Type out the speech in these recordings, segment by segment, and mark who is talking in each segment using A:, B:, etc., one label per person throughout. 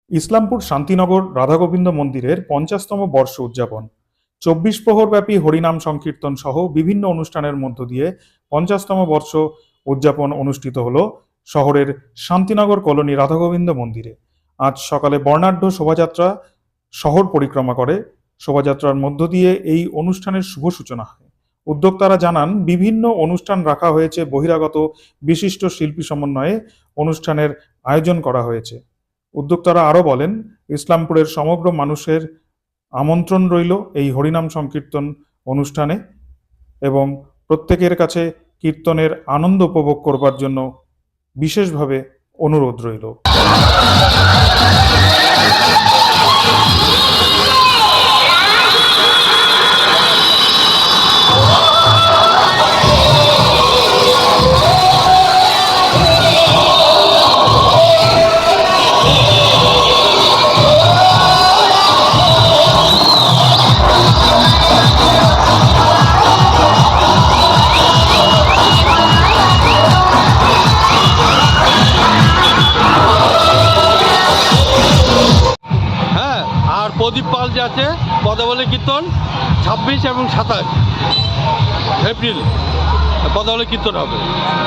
A: ইসলামপুর শান্তিনগর রাধাগোবিন্দ মন্দিরের ৫০তম বর্ষ উদযাপন। ২৪ প্রহরব্যাপী হরিনাম সংকীর্তন সহ বিভিন্ন অনুষ্ঠানের মধ্য দিয়ে ৫০তম বর্ষ উদযাপন অনুষ্ঠিত হল শহরের শান্তিনগর কলোনি রাধাগোবিন্দ মন্দিরে। আজ সকালে বর্ণাঢ্য শোভাযাত্রা শহর পরিক্রমা করে। শোভাযাত্রার মধ্য দিয়ে এই অনুষ্ঠানের শুভ সূচনা হয়। উদ্যোক্তারা জানান, বিভিন্ন অনুষ্ঠান রাখা হয়েছে, বহিরাগত বিশিষ্ট শিল্পী সমন্বয়ে অনুষ্ঠানের আয়োজন করা হয়েছে। উদ্যোক্তারা আরও বলেন, ইসলামপুরের সমগ্র মানুষের আমন্ত্রণ রইল এই হরিনাম সংকীর্তন অনুষ্ঠানে এবং প্রত্যেকের কাছে কীর্তনের আনন্দ উপভোগ করবার জন্য বিশেষভাবে অনুরোধ রইল।
B: আর প্রদীপ পাল যে আছে পদাবলী কীর্তন ২৬ এবং ২৭ এপ্রিল পদাবলী কীর্তন হবে।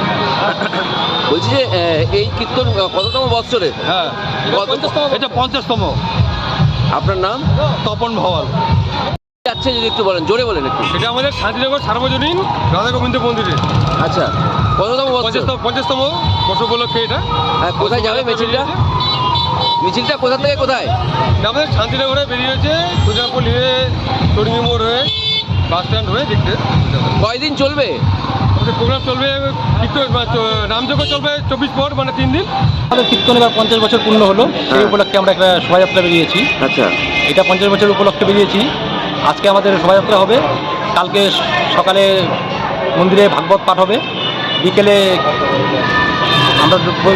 C: বলছি যে এই কীর্তন কততম বৎসরে?
B: হ্যাঁ, এটা ৫০তম।
C: আপনার নাম?
B: তপন ভাওয়াল।
C: যাচ্ছে যদি একটু বলেন, জোরে বলেন একটু।
B: এটা আমাদের শান্তিনগর সার্বজনীন রাধাগোবিন্দ মন্দিরে।
C: আচ্ছা, কততম বৎসর?
B: ৫০তম বর্ষ উপলক্ষে এটা।
C: কোথায় যাবে মিছিলটা? মিছিলটা কোথা থেকে কোথায়?
B: আমাদের শান্তিনগরে বেরিয়েছে, সুজাপুর নিয়ে টরিঙ্গি মোড় হয়ে বাস স্ট্যান্ড হয়ে দেখতে।
C: কয়দিন চলবে
B: আমাদের প্রোগ্রাম? চলবে কীর্তন, নামযজ্ঞ চলবে ২৪ পর, মানে 3 দিন।
D: আমাদের কীর্তন এবার ৫০ বছর পূর্ণ হলো, সেই উপলক্ষে আমরা একটা শোভাযাত্রা বেরিয়েছি।
C: আচ্ছা,
D: এটা ৫০ বছর উপলক্ষে বেরিয়েছি। আজকে আমাদের শোভাযাত্রা হবে, কালকে সকালে মন্দিরে ভাগবত পাঠ হবে, বিকেলে আমরা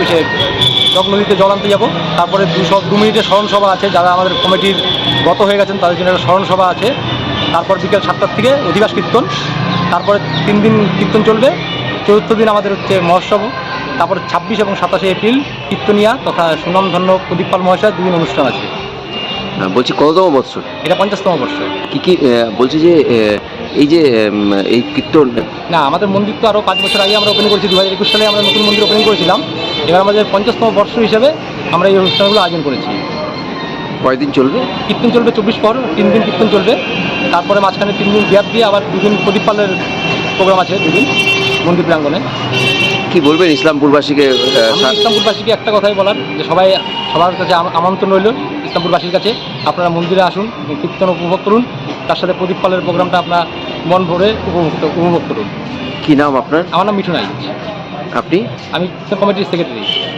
D: চক নদীতে জল আনতে যাবো। তারপরে ২ মিনিটের স্মরণ সভা আছে, যারা আমাদের কমিটির গত হয়ে গেছেন তাদের জন্য একটা স্মরণ সভা আছে। তারপর বিকেল ৭টার থেকে অধিবাস কীর্তন, তারপরে 3 দিন কীর্তন চলবে। চতুর্থ দিন আমাদের হচ্ছে মহোৎসব। তারপরে ২৬ এবং ২৭ এপ্রিল কীর্তনিয়া তথা সুনামধন্য প্রদীপ পাল মহাশয় 2 দিন অনুষ্ঠান আছে।
C: বলছি কততম বৎসর?
D: এটা ৫০তম বর্ষ।
C: কি বলছি যে এই যে এই কীর্তন
D: না, আমাদের মন্দির তো আরও 5 বছর আগে আমরা ওপেন করেছি। 2021 সালে আমরা নতুন মন্দির ওপেন করেছিলাম। এবার আমাদের ৫০তম বর্ষ হিসেবে আমরা এই অনুষ্ঠানগুলো আয়োজন করেছি।
C: কয়দিন চলবে?
D: কীর্তন চলবে ২৪ পর, 3 দিন কীর্তন চলবে। তারপরে মাঝখানে 3 দিন গ্যাপ দিয়ে আবার 2 দিন প্রদীপ পালের প্রোগ্রাম আছে, 2 দিন মন্দির প্রাঙ্গণে।
C: কি বলবেন ইসলামপুরবাসীকে?
D: ইসলামপুরবাসীকে একটা কথাই বলার, যে সবার কাছে আমন্ত্রণ রইল ইসলামপুরবাসীর কাছে, আপনারা মন্দিরে আসুন, কীর্তন উপভোগ করুন, তার সাথে প্রদীপ পালের প্রোগ্রামটা আপনার মন ভরে উপভোগ করুন।
C: কি নাম আপনার?
D: আমার নাম মিঠুন আইচ।
C: আপনি?
D: আমি কমিটির সেক্রেটারি।